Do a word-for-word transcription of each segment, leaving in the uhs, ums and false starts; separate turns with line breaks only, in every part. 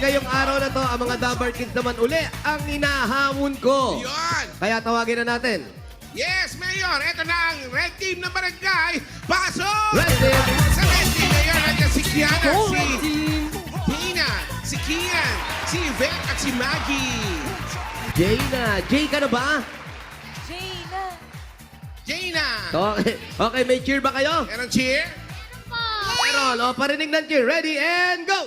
ngayong araw na to, ang mga Dabar Kids naman uli ang inahamon ko.
Yun!
Kaya tawagin na natin.
Yes, Mayor! Ito na ang red team ng barangay. Pasok!
Red team!
Sa red team, Mayor, nandiyan si Kiana,
Go,
si
Red Team!
Tina, si Kian, si Yvette at si Maggie.
Jayna. Jay ka na ba?
Jaina!
Jaina!
Okay, okay, may cheer ba kayo?
Meron cheer?
Meron. O, parinig ng cheer. Ready and go!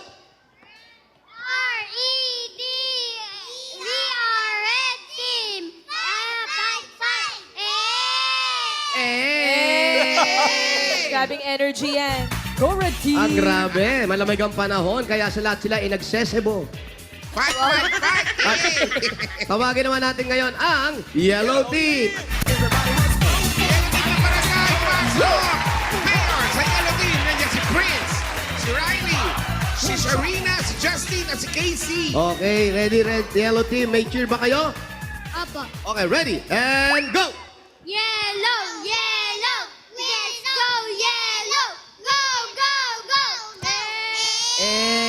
R E D. We are Red Team. Uh, fight, fight. Eh.
Eh!
Grabing energy yan. Go, Red Team!
Ang grabe. Malamig ang panahon, kaya sa lahat sila inagsesebo.
Fight, fight, fight!
At tawagin naman natin ngayon ang Yellow Team.
Yellow team ng barangay. Pasok! Mayor, sa yellow team, nandiyan si Prince, si Riley, si Sharina, si Justin, at si Casey.
Okay, ready, red, yellow team. May cheer ba kayo?
Apo.
Okay, ready and go!
Yellow, yellow. Let's go, yellow. Go, go, go. Eh.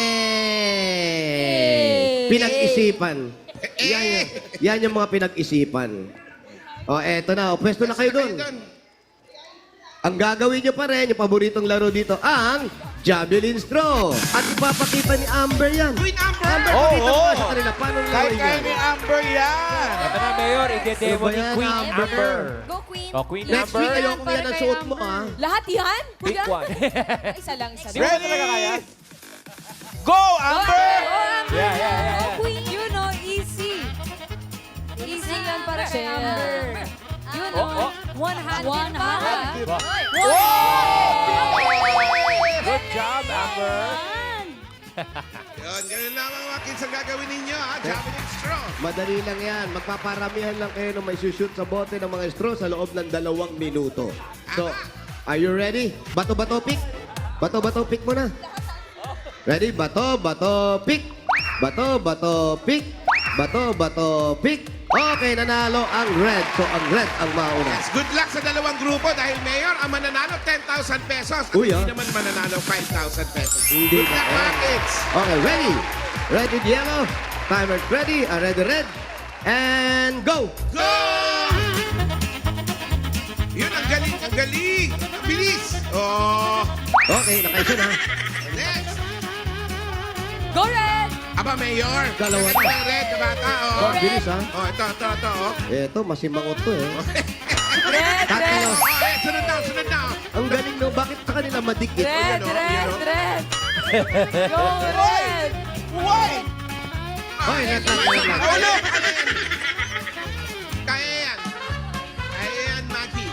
Eh! Pinag-isipan. Yan, yan, yan yung mga pinag-isipan. O, eto na. O, pwesto na kayo doon. Ang gagawin nyo pa rin, yung paboritong laro dito, ang Javelin Straw. At ipapakita ni Amber yan.
Queen Amber!
Amber,
Oo,
pakita mo
oo.
nga sa kanila. Paano
Kahit
gawin
kaya
yan?
ni Amber yan.
Ito na, Mayor.
Ano
Ide-demo
ba
ni
yan,
Queen
Amber?
Amber.
Go, Queen!
O, Queen
Next
Amber.
week, ayoko yan ang suot mo, ah.
Lahat yan?
Pick
Kuya?
one.
Isa lang, isa
Di
lang.
mo
Ready?
talaga kaya?
Go, Amber!
Oh, Amber!
Yeah, yeah, yeah.
Oh, Queen! You know, easy. Easy yan para kay Amber. You know,
Oh, oh.
one hand
One
din para.
hand.
Good job, Amber.
Yun, ganun lamang mga kids ang gagawin ninyo, ha? Javelin straw.
Madali lang yan. Magpaparamihan lang kayo ng may shoot sa bote ng mga straw sa loob ng dalawang minuto. So, are you ready? Bato-bato pick? Bato-bato pick muna. Ready? Bato, bato, pick. Bato, bato, pick. Bato, bato, pick. Okay, nanalo ang red. So, ang red ang mauna.
Yes, good luck sa dalawang grupo dahil Mayor, ang mananalo ten thousand pesos. At
Uy,
hindi
ah.
naman mananalo five thousand pesos.
Hindi
Good
na.
luck, mga kids.
Okay, ready? Ready, yellow. Timer ready. Uh, ready, red. And go!
Go! Yun, ang galing, ang galing. Ang bilis. Oh,
Okay, nakaisa na.
next.
Go, Red!
Aba, Mayor.
Dalawa
Ito
na.
ang red na bata, oh.
Oh, bilis, ha?
Oh, ito, ito, ito, oh.
Eto, masimangot to, eh.
Red,
Tatlo.
red!
Oh, eh, sunod na, sunod na.
Ang galing, no? Bakit sa kanila madikit?
Red,
Ayan, oh,
red,
ayan, oh.
red! Go, Red!
Why?
Hoy, red lang, red lang.
Oh, look! Ano yan? Kaya yan. Kaya yan, Maggie.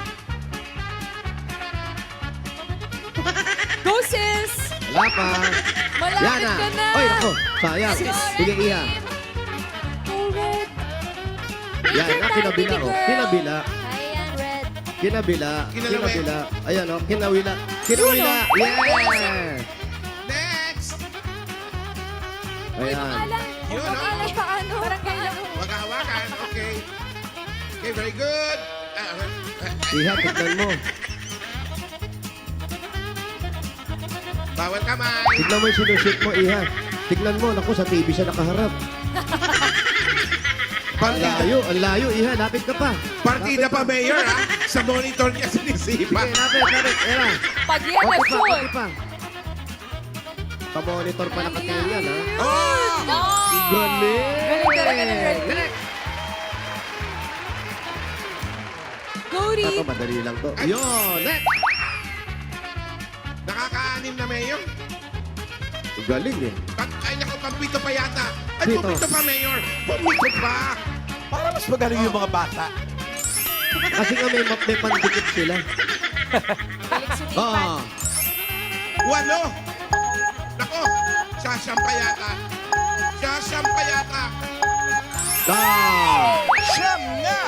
Go, sis!
Wala pa.
Malapit
Yan na.
ka na!
Oy, ako. Sayang. Sige, Iha.
Go, Red!
Yan, na, kinabila, oh. Kinabila.
Ayan, Red.
Kinabila.
Kinalawi.
Kinabila. Ayan, oh. Kinawila. Kinawila. Yeah!
Next.
Ayan.
Alam,
Yun,
kung
oh.
alam paano. Parang kaya ko.
Maghahawakan. Okay. Okay, very good. Ah, ah, ah,
Iha, tignan mo.
Bawal kamay.
Tignan mo yung sinushoot mo, Iha. Tignan mo. Naku, sa T V siya nakaharap. Ang
Partida,
layo. Ang layo, Iha. Lapit ka pa.
partida pa, Mayor, ha? Sa monitor niya
Sige,
sinisipa.
lapit, lapit. Ayan.
Pag yan na
Okay pa,
shoot.
okay pa. Pa-monitor pa nakatingin yan, ha?
Oh!
Galing!
Galing talaga ng red team.
Galing!
Cody!
Ito, madali lang to. Yun! Next!
Nakaka-anim na, Mayor.
Galing eh.
At, ay, naku, pampito pa yata. Ay,
Pito.
pumito pa, Mayor. Pumito pa.
Para mas magaling yung mga bata.
Kasi nga may, map- may pandikit sila.
Galing sumipan.
Oo.
Walo. Naku, sasyam pa yata. Sasyam pa yata.
Ah.
Siyam nga!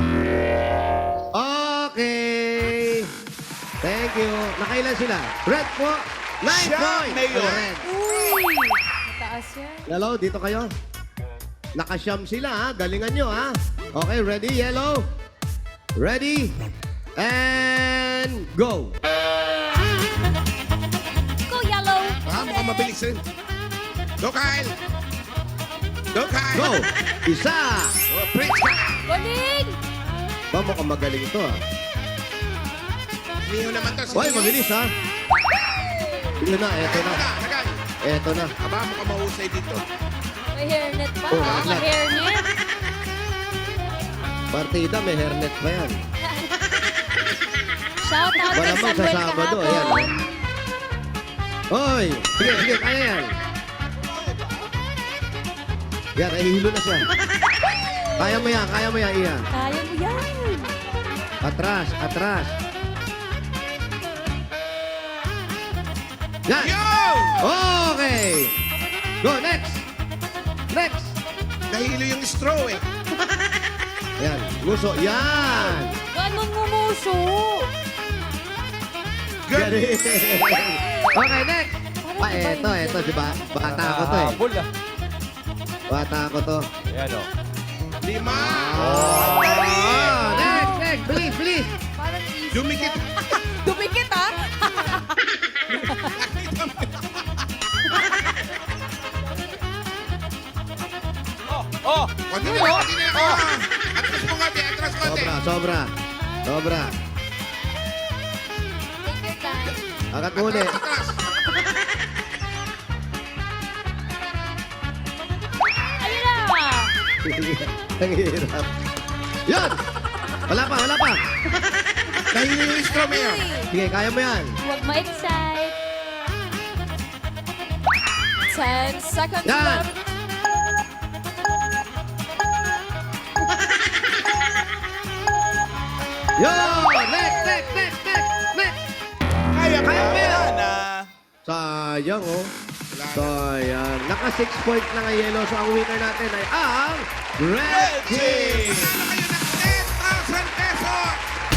Okay. Thank you. Nakailan sila? Red po. Nine
Siya,
points.
Mayor.
Ang red.
Uy! Mataas yan.
Hello, dito kayo. Nakasyam sila ha. Galingan nyo ha. Okay, ready, yellow? Ready? And go.
Go, yellow.
Ah, mukhang mabilis rin. Go, Kyle. Go, Kai.
Go! Isa!
Oh, Prince ka.
Galing!
Ba, mukhang magaling ito ah.
Miho naman to.
Hoy, mabilis ha. Yun na, eto
Eto
na.
na, tagal.
Eto na.
Aba, mukhang mahusay dito.
May hairnet pa.
Oh,
Oh, may
hairnet.
hairnet.
Partida, may hairnet pa yan.
Shout out kay
Malamang sa
Samuel
Sabado,
kahapon.
ayan. Hoy! Sige, sige, kaya yan. Yan, nahihilo na siya. Kaya mo yan, kaya mo yan, Ian.
Kaya mo yan.
Atras, atras. Yan!
Yo!
Okay! Go, next! Next!
Nahilo yung straw eh.
Yan, nguso. Yan!
Ganun ngumuso.
Galing! Okay, next! Pa, eto, eto, di ba? Bata ko to eh.
Habol ah.
Bata ko to.
Ayan o.
Lima.
Oh, next, next! Please, please!
Parang easy.
Dumikit.
Dumikit ha?
Oh, oh.
Huwag nyo na, hindi na ako. Atras mo konti, atras konti.
Sobra, sobra. Sobra.
Take your time.
Akat muli.
Atras, atras.
Ayun na!
Ang hirap. Yan! Wala pa, wala pa.
Nahilo yung straw, Mayor.
Sige, kaya mo yan.
Huwag ma-excite. Ten seconds
Yan.
left.
Yo! Next, next, next, next, next!
Kaya mo
Kaya mo yan.
yan ah.
Sayang, oh.
Wala na.
Sayang. Naka six point na nga yellow. So, ang winner natin ay ang Red Team!
Kayo ng ten thousand pesos.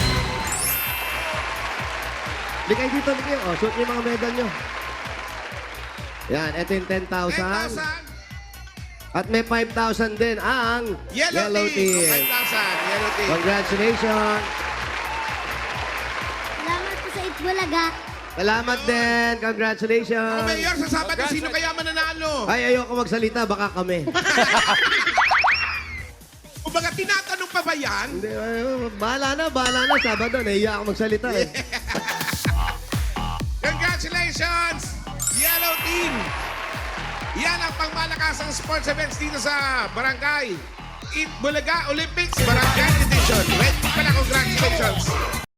Hindi kayo dito, hindi kayo. Oh, suot niyo yung mga medal nyo. Yan, ito yung ten
ten
thousand.
thousand.
At may five thousand din ang
Yellow, team. five thousand. Yellow team.
Congratulations!
Salamat po sa Itbulaga.
Salamat din!
Oh,
Congratulations!
Mayor, sa Sabado, sino kaya mananalo?
Ay, ayoko magsalita. Baka kami.
Kumbaga, tinatanong pa ba yan?
Hindi, ay, bahala na, bahala na. Sabado, nahiya ako magsalita eh.
Congratulations, Yellow Team! Yan ang pangmalakasang sports events dito sa Barangay Itbulaga Olympics Barangay Edition. Wait pala, congratulations!